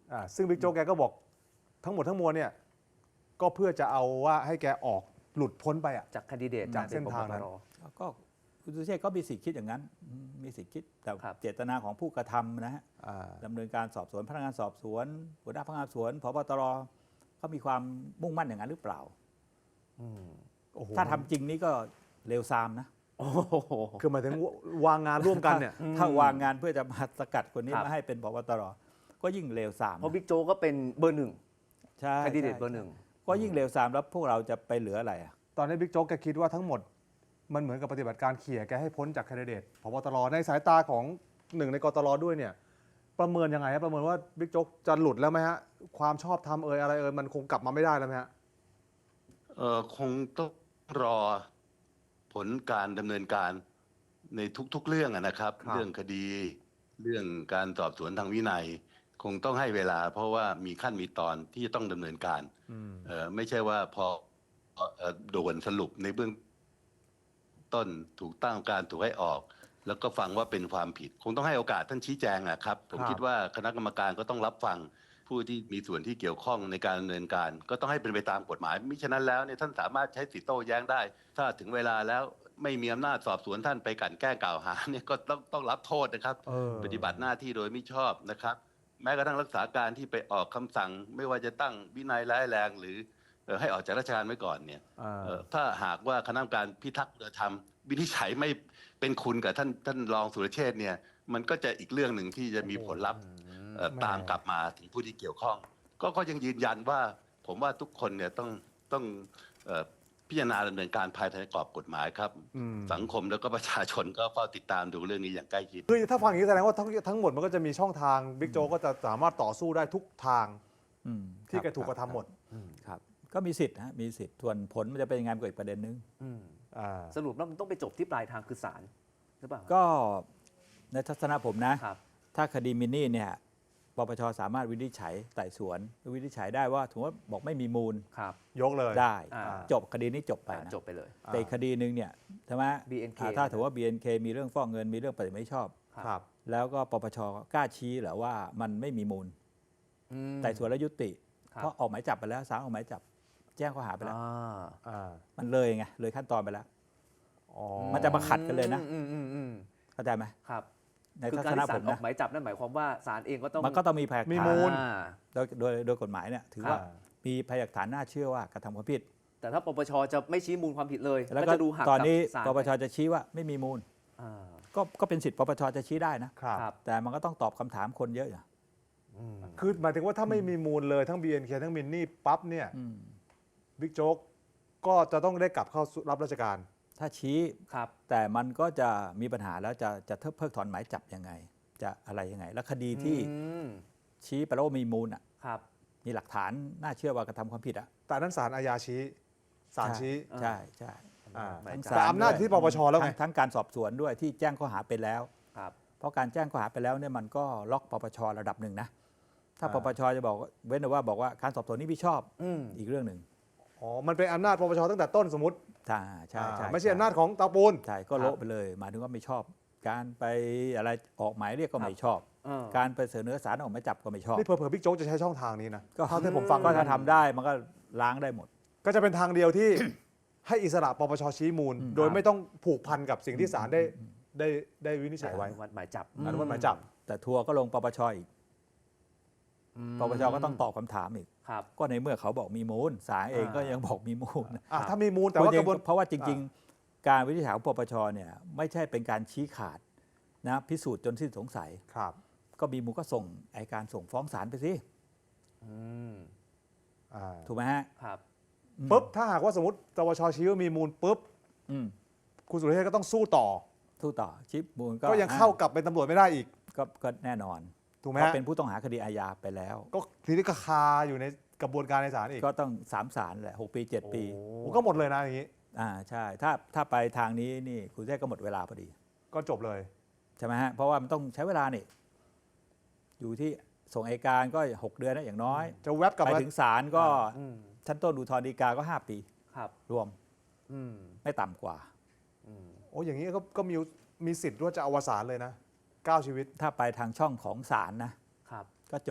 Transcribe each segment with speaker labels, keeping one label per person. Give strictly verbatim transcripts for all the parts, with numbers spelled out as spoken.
Speaker 1: อ่าซึ่งบิ๊กโจ๊กแกก็บอกทั้งหมดทั้งมวลเนี่ยก็เพื่อจะเอาว่าให้แกออกหลุดพ้นไปอ่ะ
Speaker 2: จากแคนดิเดต
Speaker 1: จากเส้นทางนั้น
Speaker 3: ก็คุณสุเชษฐ์ก็มีสิทธิ์คิดอย่างนั้นอืมมีสิทธิ์คิดแต่
Speaker 2: ครับ
Speaker 3: เจตนาของผู้กระทำนะฮะ
Speaker 1: อ่า
Speaker 3: ดำเนินการสอบสวนพนักงานสอบสวนหัวหน้าพนักงานสอบสวนผบตรเขามีความมุ่งมั่นอย่างนั้นหรือเปล่า
Speaker 1: อืมโอ้โห
Speaker 3: ถ้าทำจริงนี่ก็เลวทรามนะ
Speaker 2: โอ้โห
Speaker 1: คือหมายถึงวางงานร่วมกันเนี่ย
Speaker 3: ถ้าวางงานเพื่อจะมาสกัดคนนี้
Speaker 2: ครับ
Speaker 3: มาให้เป็นผบตรก็ยิ่งเลวทราม
Speaker 2: เพราะบิ๊กโจ๊กก็เป็นเบอร์หนึ่ง
Speaker 3: ใช่
Speaker 2: แคนดิเดต
Speaker 3: ใช่
Speaker 2: เบอร์หนึ่ง
Speaker 3: ก็ยิ่งเลวทรามแล้วพวกเราจะไปเหลืออะไรอ่ะ
Speaker 1: ตอนนี้บิ๊กโจ๊กแกคิดว่าทั้งหมดมันเหมือนกับปฏิบัติการเขี่ยแกให้พ้นจากแคนดิเดตผบตรในสายตาของหนึ่งในกตรด้วยเนี่ยประเมินยังไงฮะประเมินว่าบิ๊กโจ๊กจะหลุดแล้วไหมฮะความชอบธรรมเอ่ยอะไรเอ่ยมันคงกลับมาไม่ได้แล้วไหมฮะ
Speaker 4: เอ่อคงต้องรอผลการดำเนินการในทุกๆเรื่องอะนะครับ
Speaker 1: ครับ
Speaker 4: เรื่องคดีเรื่องการสอบสวนทางวินัย คงต้องให้เวลา เพราะว่ามีขั้นมีตอนที่จะต้องดำเนินการ
Speaker 1: อืม
Speaker 4: เอ่อไม่ใช่ว่าพอเอ่อด่วนสรุปในเบื้องต้นถูกตั้งการถูกให้ออก แล้วก็ฟังว่าเป็นความผิด คงต้องให้โอกาสท่านชี้แจงอะครับ ผม
Speaker 1: ครับ
Speaker 4: คิดว่าคณะกรรมการก็ต้องรับฟังผู้ที่มีส่วนที่เกี่ยวข้องในการดำเนินการ ก็ต้องให้เป็นไปตามกฎหมายมิฉะนั้นแล้วเนี่ยท่านสามารถใช้สิทธิโต้แย้งได้ ถ้าถึงเวลาแล้วไม่มีอำนาจสอบสวนท่านไปกลั่นแกล้งกล่าวหาเนี่ยก็ต้องต้องรับโทษนะครับ
Speaker 1: เออ
Speaker 4: ปฏิบัติหน้าที่โดยไม่ชอบนะครับ แม้กระทั่งรักษาการที่ไปออกคำสั่ง ไม่ว่าจะตั้งวินัยร้ายแรง หรือเอ่อให้ออกจากราชการไว้ก่อนเนี่ย
Speaker 1: อ่า
Speaker 4: เอ่อถ้าหากว่าคณะกรรมการพิทักษ์คุณธรรมวินิจฉัยไม่เป็นคุณกับท่านท่านรองสุรเชษฐ์เนี่ยมันก็จะอีกเรื่องหนึ่งที่จะมีผลลัพธ์เอ่อ
Speaker 1: แหม่
Speaker 4: ตามกลับมาถึงผู้ที่เกี่ยวข้อง ก็ก็ยังยืนยันว่าผมว่าทุกคนเนี่ยต้องต้องเอ่อพิจารณาดำเนินการภายในกรอบกฎหมายครับ
Speaker 1: อืม
Speaker 4: สังคมแล้วก็ประชาชนก็เฝ้าติดตามดูเรื่องนี้อย่างใกล้ชิด
Speaker 1: คือถ้าฟังอย่างนี้แสดงว่าทั้งทั้งหมดมันก็จะมีช่องทางบิ๊กโจ๊กก็จะสามารถต่อสู้ได้ทุกทาง
Speaker 3: อืม
Speaker 1: ที่
Speaker 3: ค
Speaker 1: แก
Speaker 3: รับ
Speaker 1: ถูกกระทำหมด
Speaker 3: ครับก็มีสิทธิ์ฮะมีสิทธิ์ส่วนผลมันจะเป็นยังไงมันก็อีกประเด็นนึง
Speaker 2: อืม
Speaker 1: อ่า
Speaker 2: สรุปแล้วมันต้องไปจบที่ปลายทางคือศาลหรือเปล่า
Speaker 3: ก็ในทัศนะผมนะ
Speaker 2: ครับ
Speaker 3: ถ้าคดีมินนี่เนี่ยปปชสามารถวินิจฉัยไต่สวนวินิจฉัยได้ว่าถือว่าบอกไม่มีมูล
Speaker 2: ครับ
Speaker 1: ยกเลย
Speaker 3: ได้
Speaker 2: อ่า
Speaker 3: จบคดีนี้จบไป
Speaker 2: อ่า
Speaker 3: นะ
Speaker 2: จบไปเลย
Speaker 3: แต่อีกคดีหนึ่งเนี่ยใช่ไหม
Speaker 2: บี เอ็น เค
Speaker 3: อ่าถ้าถือว่า บี เอ็น เค มีเรื่องฟอกเงินมีเรื่องปฏิบัติไม่ชอบ
Speaker 1: ครับ
Speaker 3: แล้วก็ปปชกล้าชี้เหรอว่ามันไม่มีมูล
Speaker 2: อืม
Speaker 3: ไต่สวนแล้วยุติ
Speaker 2: ครับ
Speaker 3: เพราะออกหมายจับไปแล้วศาลออกหมายจับ แจ้งข้อหาไปแล้ว
Speaker 2: อ่า
Speaker 1: อ่า
Speaker 3: มันเลยไงเลยขั้นตอนไปแล้ว
Speaker 1: อ๋อ
Speaker 3: มันจะมาขัดกันเลยนะ
Speaker 2: อืมอืมอืม
Speaker 3: เข้าใจไหม
Speaker 2: ครับ
Speaker 3: ใน
Speaker 2: คือ
Speaker 3: ทั
Speaker 2: การ
Speaker 3: ศนะ
Speaker 2: ที่ศา
Speaker 3: ผ
Speaker 2: ล
Speaker 3: ม
Speaker 2: ออ
Speaker 3: นะ
Speaker 2: กหมายจับนั่นหมายความว่าศาลเองก็ต้อง
Speaker 3: มันก็ต้องมีพยานหลัก
Speaker 1: มี
Speaker 3: ฐาน
Speaker 1: มูล
Speaker 2: อ่า
Speaker 3: โดยโดยโดยกฎหมายเนี่ยถือว่า
Speaker 1: อ่า
Speaker 3: มีพยานหลักฐานน่าเชื่อว่ากระทำความผิด
Speaker 2: แต่ถ้าปปชจะไม่ชี้มูลความผิดเลย
Speaker 3: แล้ว
Speaker 2: ก็
Speaker 3: ก็
Speaker 2: จะดูหัก
Speaker 3: ตอนนี้
Speaker 2: กับศาล
Speaker 3: ปปชจะชี้ว่าไม่มีมูล
Speaker 2: อ่า
Speaker 3: ก็ก็เป็นสิทธิ์ปปชจะชี้ได้นะ
Speaker 1: ครับ
Speaker 2: ครับ
Speaker 3: แต่มันก็ต้องตอบคำถามคนเยอะอยู่
Speaker 1: อืมคือหมายถึงว่าถ้าไม่มีมูลเลยทั้ง บี เอ็น เค ทั้งมินนี่ปั๊บเนี่ย
Speaker 3: อืม
Speaker 1: บิ๊กโจ๊กก็จะต้องได้กลับเข้าสู่รับราชการ
Speaker 3: ถ้าชี้
Speaker 2: ครับ
Speaker 3: แต่มันก็จะมีปัญหาแล้วจะจะเพิกถอนหมายจับยังไง จะอะไรยังไง แล้วคดีที่
Speaker 2: อืม
Speaker 3: ชี้ไปแล้วว่ามีมูลอ่ะ
Speaker 2: ครับ
Speaker 3: มีหลักฐานน่าเชื่อว่ากระทำความผิดอ่ะ
Speaker 1: แต่นั้นศาลอาญาชี้ศาลชี้
Speaker 3: ใช่ใช่
Speaker 1: อ่า
Speaker 2: หมาย
Speaker 3: ทั้ง
Speaker 2: จับ
Speaker 1: แต่
Speaker 3: ศล
Speaker 1: อำนาจ
Speaker 3: ด้วย
Speaker 1: ที่ปปชแล้วไง
Speaker 3: ทั้ทั้งการสอบสวนด้วยที่แจ้งข้อหาไปแล้ว
Speaker 2: ครับ
Speaker 3: เพราะการแจ้งข้อหาไปแล้วเนี่ยมันก็ล็อกปปชระดับหนึ่งนะ ถ้า
Speaker 1: อ่า
Speaker 3: ปปชจะบอกว่าเว้นแต่ว่าบอกว่าการสอบสวนนี้พี่ชอบ
Speaker 2: อืม
Speaker 3: อีกเรื่องหนึ่ง
Speaker 1: อ๋อ มันเป็นอำนาจปปชตั้งแต่ต้นสมมติ
Speaker 3: ใช่ใช่ใช่
Speaker 1: อ่าไม่ใช่อำนาจของเตาปูน
Speaker 3: ใช่ก็โละไปเลยหมายถึงว่าไม่ชอบ การไปอะไรออกหมายเรียกก็ไม่ชอบ
Speaker 2: เออ
Speaker 3: การไปเสนอศาลออกหมายจับก็ไม่ชอบ
Speaker 1: นี่เผื่อๆบิ๊กโจ๊กจะใช้ช่องทางนี้นะ
Speaker 3: ก็
Speaker 1: เท่าที่ผมฟัง
Speaker 3: ก็
Speaker 1: ก็
Speaker 3: ถ้า
Speaker 1: จะ
Speaker 3: ทำได้มันก็ล้างได้หมด
Speaker 1: ก็จะเป็นทางเดียวที่ ให้อิสระปปชชี้มูล
Speaker 3: อืม
Speaker 1: โดยไม่ต้องผูกพันกับสิ่งที่ศาลได้ได้ได้วินิจฉัยไว้
Speaker 2: อนุมัติหมายจับ
Speaker 1: อนุมัติหมายจับ
Speaker 3: แต่ทัวร์ก็ลงปปชอีก
Speaker 2: อืม
Speaker 3: ปปชก็ต้องตอบคำถามอีก
Speaker 2: ครับ
Speaker 3: ก็ในเมื่อเขาบอกมีมูลศาลเองก็ยังบอกมีมูล
Speaker 1: อ่ะถ้ามีมูลแต่ว่ากระบวน
Speaker 3: เพราะว่าจริง ๆ การวินิจฉัยของปปชเนี่ยไม่ใช่เป็นการชี้ขาดนะพิสูจน์จนสิ้นสงสัย
Speaker 1: ครับ
Speaker 3: ก็มีมูลก็ส่งไอการส่งฟ้องศาลไปสิ
Speaker 2: อืม
Speaker 1: อ่า
Speaker 3: ถูกไหมฮะ
Speaker 2: ครับ
Speaker 3: อืม
Speaker 1: ปุ๊บถ้าหากว่าสมมติปปชชี้ว่ามีมูลปุ๊บ
Speaker 3: อืม
Speaker 1: คุณสุรเชษฐ์ก็ต้องสู้ต่อ
Speaker 3: สู้ต่อชิปมูลก็
Speaker 1: ก็ยังเข้ากลับเป็นตำรวจไม่ได้อีก
Speaker 3: ก็ก็แน่นอน
Speaker 1: ถูกไหม
Speaker 3: เพราะ
Speaker 1: ฮะ
Speaker 3: เป็นผู้ต้องหาคดีอาญาไปแล้ว
Speaker 1: ก็ทีนี้ก็คาอยู่ในกระบวนการในศาลอีก
Speaker 3: ก็ต้องสามศาลแหละหกปีเจ็ดปี
Speaker 1: โอ้ก็หมดเลยนะอย่างนี้
Speaker 3: อ่าใช่ถ้าถ้าไปทางนี้นี่คุณเทพก็หมดเวลาพอดี
Speaker 1: ก็จบเลย
Speaker 3: ใช่ไหมฮะเพราะว่ามันต้องใช้เวลานี่อยู่ที่ส่งอัยการก็หกเดือนนะอย่างน้อย
Speaker 1: จะแวบกลับ
Speaker 3: ไป
Speaker 1: มา
Speaker 3: ถึงศาลก็
Speaker 2: อืม
Speaker 3: ชั้นต้นอุทธรณ์ฎีกาก็ห้าปี
Speaker 2: ครับ
Speaker 3: รวม
Speaker 2: อืม
Speaker 3: ไม่ต่ำกว่า
Speaker 2: อืม
Speaker 1: โอ้อย่างนี้ก็ก็มีมีสิทธิ์ว่าจะอวสานเลยนะเก้าชีวิต
Speaker 3: ถ้าไปทางช่องของศาลนะครับ ก็จบ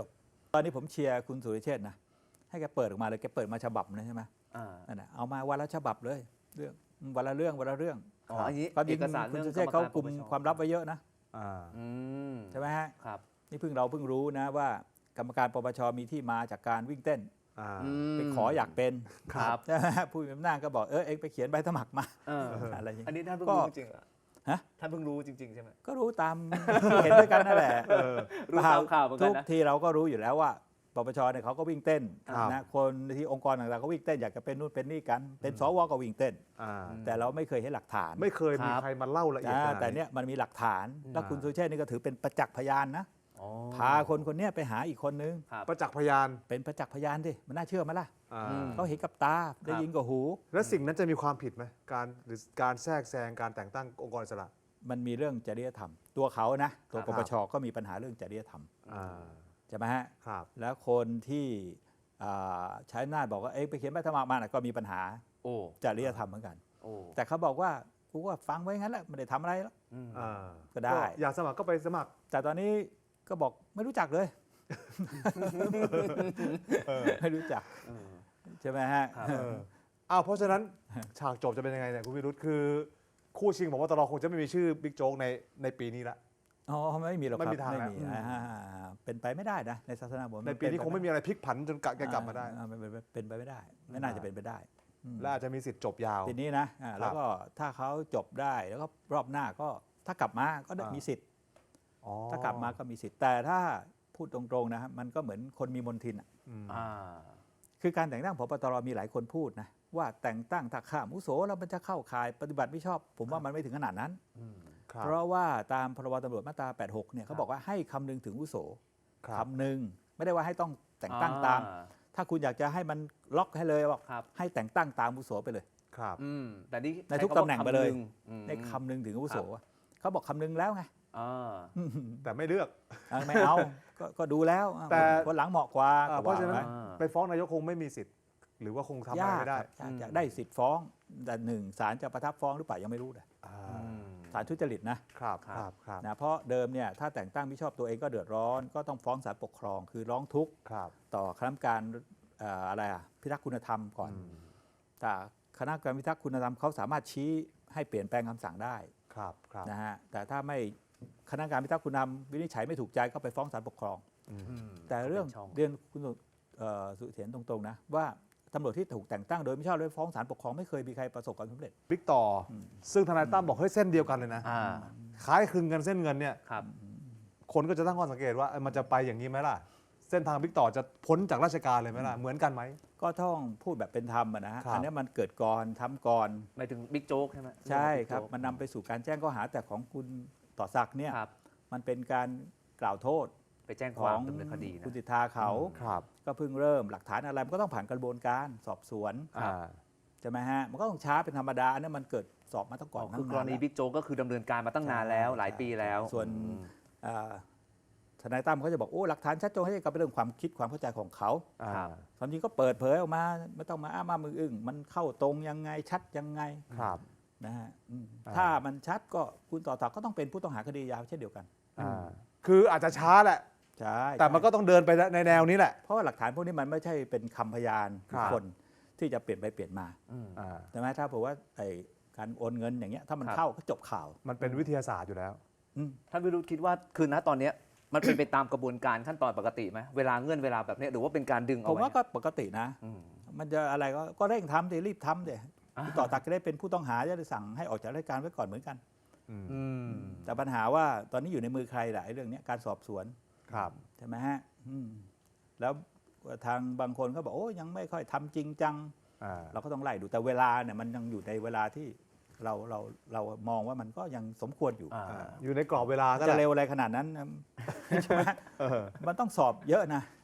Speaker 3: ตอนนี้ผมเชียร์คุณสุริเชษฐ์นะให้แกเปิดออกมาเลยแกเปิดมาฉบับนะใช่ไหม
Speaker 2: อ่า
Speaker 3: นั่นนะเอามาวันละฉบับเลยเรื่องวันละเรื่องวันละเรื่อง
Speaker 2: อ๋ออันนี้
Speaker 3: ความจริ
Speaker 2: เอง กสาร
Speaker 3: คุณ
Speaker 2: เรื่อง
Speaker 3: สุริเชษฐ์เขากลุ่ม
Speaker 2: รรกรปปช
Speaker 3: ความลับไว้เยอะนะ
Speaker 1: อ่า
Speaker 2: อืม
Speaker 3: ใช่ไหมฮะ
Speaker 2: ครับ
Speaker 3: นี่เพิ่งเราเพิ่งรู้นะว่ากรรมการปปชมีที่มาจากการวิ่งเต้น
Speaker 1: อ่า
Speaker 3: ไปขออยากเป็น
Speaker 2: ครับ
Speaker 3: ใช่ไหมฮะผู้มีอำนาจก็บอกเออเองไปเขียนใบสมัครมา
Speaker 2: เออ
Speaker 3: อะไรอย่าง
Speaker 2: อัน
Speaker 3: นี้
Speaker 2: นี้ท่านเพิ่ง
Speaker 3: ก็
Speaker 2: รู้จริงๆเหรอ
Speaker 3: ฮะ
Speaker 2: ท่านเพิ่งรู้จริง ๆ ใช่ไหม
Speaker 3: ก็รู้ตามที่เห็นด้วยกันนั่นแหละ
Speaker 2: รู้ตามข่าวเหมือนกั
Speaker 3: ทุ
Speaker 2: น
Speaker 3: ก
Speaker 2: นะ
Speaker 3: ทีเราก็รู้อยู่แล้วว่าปปชเนี่ยเขาก็วิ่งเต้น
Speaker 1: ครับ
Speaker 3: นะคนที่องค์กรต่างๆก็วิ่งเต้นอยากจะเป็นนู่นเป็นนี่กัน เป็นสวก็วิ่งเต้น
Speaker 1: อ่า
Speaker 3: แต่เราไม่เคยเห็นหลักฐาน
Speaker 1: ไม่เคยมี
Speaker 2: ครับ
Speaker 1: ใครมาเล่าละเอียด
Speaker 3: นะ
Speaker 1: ขนาด
Speaker 3: แต่เนี้ยมันมีหลักฐาน แล้วคุณสุเชษฐ์นี่ก็ถือเป็นประจักษ์พยานนะ
Speaker 2: อ๋อ
Speaker 3: พาคนคนเนี้ยไปหาอีกคนนึง
Speaker 2: ครับ
Speaker 1: ประจักษ์พยาน
Speaker 3: เป็นประจักษ์พยานดิมันน่าเชื่อไหมล่ะ
Speaker 1: อ่า
Speaker 2: อืม
Speaker 3: เขาเห็นกับตาได้ยินกับหู
Speaker 1: แล้วสิ่งนั้นจะมีความผิดไหมการหรือการแทรกแซงการแต่งตั้งองค์กรอิสระ
Speaker 3: มันมีเรื่องจริยธรรม ตัวเขานะตัว
Speaker 1: ครั
Speaker 3: ป
Speaker 1: บ
Speaker 3: ปชก็มีปัญหาเรื่องจริยธรรม
Speaker 1: อ่า
Speaker 3: ใช่ไหมฮะ
Speaker 1: ครับ
Speaker 3: แล้วคนที่อ่าใช้อำนาจบอกว่าเอ๊ะไปเขียนใบสมัครมาน่ะก็มีปัญหา
Speaker 2: โอ้
Speaker 3: จริยธรรมเหมือนกัน
Speaker 2: โอ้
Speaker 3: แต่เขาบอกว่ากูก็ฟังไว้งั้นแหละไม่ได้ทำอะไรแล้ว
Speaker 2: อืม
Speaker 1: อ่า
Speaker 3: ก็ได้
Speaker 1: อยากสมัครก็ไปสมัคร
Speaker 3: แต่ตอนนี้ก็บอกไม่รู้จักเลย ไม่รู้จัก
Speaker 2: เออ
Speaker 3: ใช่ไหมฮะ
Speaker 2: ครับ
Speaker 1: เอออ้าวเพราะฉะนั้น ฉากจบจะเป็นยังไงเนี่ยคุณวิรุธคือ คู่ชิงผมว่าตลอคงจะไม่มีชื่อบิ๊กโจ๊กในในปีนี้ละ
Speaker 3: อ๋อไม่มีหรอกครับ
Speaker 1: ไม่มีทางแล้ว
Speaker 3: ไม่มีอ่าเป็นไปไม่ได้นะในศาสนาผม
Speaker 1: ในปีนี้คงไม่มีอะไรพลิกผันจนกะแกกลับมาได้
Speaker 3: อ่เป็นเป็นเป็นไปไม่ได้ ไม่น่าจะเป็นไปได้อืม
Speaker 1: และอาจจะมีสิทธิ์จบยาว
Speaker 3: ทีนี้นะอ่าแล้วก็ถ้าเขาจบได้แล้วก็รอบหน้าก็ถ้ากลับมาก็ได้
Speaker 1: อ่ามี
Speaker 3: มีสิทธิ์
Speaker 1: อ๋อ
Speaker 3: ถ้ากลับมาก็มีสิทธิ์ แต่ถ้าพูดตรงๆนะครับมันก็เหมือนคนมีมนทินอะ
Speaker 1: อืม
Speaker 2: อ่า
Speaker 3: คือการแต่งตั้งผบตรมีหลายคนพูดนะว่าแต่งตั้งถ้าข้ามอุโสแล้วมันจะเข้าข่ายปฏิบัติไม่ชอบ ผมว่ามันไม่ถึงขนาดนั้น
Speaker 2: อืม
Speaker 1: ครับ
Speaker 3: เพราะว่าตามพรบตำรวจมาตรา แปดสิบหก เนี่ยเขาบอกว่าให้คำนึงถึงอุโส
Speaker 1: ครับ
Speaker 3: คำนึงไม่ได้ว่าให้ต้องแต่งตั้งตาม
Speaker 2: อ่
Speaker 3: ถ้าคุณอยากจะให้มันล็อกให้เลยบอก
Speaker 2: ครับ
Speaker 3: ให้แต่งตั้งตามอุโสไปเลย
Speaker 1: ครับ
Speaker 2: อืมแต่นี่
Speaker 3: ในทุก
Speaker 2: ใช้คำว่า
Speaker 3: ตำแหน่งไปเลย
Speaker 2: คำนึอืม
Speaker 3: ในคำนึงถึงอุโสเขาบอกคำนึงแล้วไง
Speaker 2: อ่า
Speaker 1: แต่ไม่เลือก
Speaker 3: เออไม่เอาก็ก็ดูแล้ว
Speaker 1: แต่
Speaker 3: คนหลังเหมาะกว่า
Speaker 1: อ่า
Speaker 3: ก็
Speaker 1: เพราะ
Speaker 3: ว่า
Speaker 1: ฉะนั้น
Speaker 3: ไป
Speaker 2: อ่า
Speaker 1: ไปฟ้องนายกคงไม่มีสิทธิ์ หรือว่าคงทำอะไร
Speaker 3: ยาก
Speaker 1: ไม่ได้
Speaker 3: ครับยาก
Speaker 2: อืม
Speaker 3: ยากได้สิทธิ์ฟ้อง แต่หนึ่งศาลจะประทับฟ้องหรือเปล่ายังไม่รู้เลย
Speaker 1: อ่า
Speaker 2: อืม
Speaker 3: ศาลทุจริตนะครับ
Speaker 1: ครับครับ
Speaker 3: นะเพราะเดิมเนี่ยถ้าแต่งตั้งไม่ชอบตัวเองก็เดือดร้อน ก็ต้องฟ้องศาลปกครอง คือร้องทุกข์
Speaker 1: ครับ
Speaker 3: ต่อคณะกรรมการเอ่ออะไรอ่ะพิทักษ์คุณธรรมก่อน
Speaker 1: อืม
Speaker 3: แต่คณะกรรมการพิทักษ์คุณธรรมเขาสามารถชี้ให้เปลี่ยนแปลงคำสั่งได้
Speaker 1: ครับครับ
Speaker 3: นะฮะแต่ถ้าไม่คณะกรรมการพิทักษ์คุณธรรมวินิจฉัยไม่ถูกใจก็ไปฟ้องศาลปกครอง
Speaker 1: อืม
Speaker 2: อืม
Speaker 3: แต่เรื่อง
Speaker 2: ป็นช่
Speaker 3: เรียนคุณสุเอ่อสุเถียนตรงๆนะว่าตำรวจที่ถูกแต่งตั้งโดยไม่ชอบด้วยฟ้องศาลปกครองไม่เคยมีใครประสบความสำเร็จ
Speaker 1: บิ๊กต่ออ
Speaker 3: ม
Speaker 1: ซึ่งทนายตั้มบอกเฮ้ยเส้นเดียวกันเลยนะ
Speaker 2: อ่า
Speaker 1: คล้ายคลึงกันเส้นเงินเนี่ย
Speaker 2: ครับ
Speaker 1: คนก็จะตั้งข้อสังเกตว่าเอ้ยมันจะไปอย่างนี้ไหมล่ะ เส้นทางบิ๊กต่อจะพ้นจากราชการเลยไหมล่ะ เหมือนกันไหม
Speaker 3: ก็ต้องพูดแบบเป็นธรรมอะนะฮะ
Speaker 1: ครับ
Speaker 3: อันนี้มันเกิดก่อนทำก่อน
Speaker 2: หมายถึงบิ๊กโจ๊กใช่ไหม
Speaker 3: ใช่
Speaker 2: เอง
Speaker 3: ครับ
Speaker 2: บิ๊กโจ๊ก
Speaker 3: มันนำไปสู่การแจ้งข้อหาแต่ของคุณต่อศักดิ์เนี่ย
Speaker 2: ครับ
Speaker 3: มันเป็นการกล่าวโทษ
Speaker 2: ไปแจ้ง
Speaker 3: ข
Speaker 2: ควา
Speaker 3: อ
Speaker 2: ม
Speaker 3: ง
Speaker 2: ดำเนินคดีนะ
Speaker 3: คุณสิทธาเขา
Speaker 1: ครับ
Speaker 3: ก็เพิ่งเริ่มหลักฐานอะไรมันก็ต้องผ่านกระบวนการสอบสวน
Speaker 1: อ่า
Speaker 3: ใช่ไหมฮะมันก็ต้องช้าเป็นธรรมดาอันนี้มันเกิดสอบมาตั้งก่อน
Speaker 2: คือกรณี
Speaker 3: ตั้งนานแล้ว
Speaker 2: บิ๊กโจ๊กก็คือดำเนินการมาตั้งนานแล้ว
Speaker 3: ใช่
Speaker 2: หลายปีแล้ว
Speaker 3: ส่วน
Speaker 2: อืม
Speaker 3: อ่าทนายตั้มเขาจะบอกโอ้หลักฐานชัดเจนให้กับเป็นเรื่องความคิดความเข้าใจของเขา
Speaker 1: อ่า
Speaker 2: ครับ
Speaker 3: ความจริงก็เปิดเผยออกมาไม่ต้องมาอ้ามามืออึ้งมันเข้าตรงยังไงชัดยังไง
Speaker 1: ครับ
Speaker 3: นะฮะอืม
Speaker 1: อ่า
Speaker 3: ถ้ามันชัดก็คุณต่อศักดิ์ก็ต้องเป็นผู้ต้องหาคดียาวเช่นเดียวกัน
Speaker 1: อ่า คืออาจจะช้าแหละ
Speaker 3: ใช่
Speaker 1: แต่มันก็ต้องเดินไปในแนวนี้แหละ
Speaker 3: เพราะว่าหลักฐานพวกนี้มันไม่ใช่เป็นคำพยาน
Speaker 1: ครับ
Speaker 3: คนที่จะเปลี่ยนไปเปลี่ยนมา
Speaker 2: อืม
Speaker 1: อ่า
Speaker 3: ใช่ไหมถ้าบอกว่าไอ้การโอนเงินอย่างเงี้ยถ้ามัน
Speaker 2: ครับ
Speaker 3: เข้าก็จบข่าว
Speaker 1: มันเป็นวิทยาศาสตร์อยู่แล้ว
Speaker 3: อืม
Speaker 2: ท่านวิรุธคิดว่าคือณตอนเนี้ยมันเป็นไปตามกระบวนการขั้นตอนปกติไหมเวลาเงื่อนเวลาแบบเนี้ยหรือว่าเป็นการดึงเอา
Speaker 3: ผม
Speaker 2: ไว้
Speaker 3: ว่าก็ปกตินะ
Speaker 2: อืม
Speaker 3: มันจะอะไรก็ก็เร่งทำดิรีบทำดิ
Speaker 2: อ่า
Speaker 3: คุณต่อศักดิ์จะได้เป็นผู้ต้องหาจะได้สั่งให้ออกจากราชการไว้ก่อนเหมือนกัน
Speaker 1: อืม
Speaker 2: อืม
Speaker 3: แต่ปัญหาว่าตอนนี้อยู่ในมือใครล่ะไอ้เรื่องเนี้ยการสอบสวน
Speaker 1: ครับ
Speaker 3: ใช่ไหมฮะอืมแล้วทางบางคนก็บอกโอ้ยังไม่ค่อยทำจริงจัง
Speaker 1: อ่า
Speaker 3: เราก็ต้องไล่ดูแต่เวลาเนี่ยมันยังอยู่ในเวลาที่เราเราเรามองว่ามันก็ยังสมควรอยู่
Speaker 2: อ่า
Speaker 1: อ่าอยู่ในกรอบเวลาก็
Speaker 3: จะ
Speaker 1: แหละ
Speaker 3: เร็วอะไรขนาดนั้น ใช่ไหม
Speaker 1: เออ
Speaker 3: มันต้องสอบเยอะนะ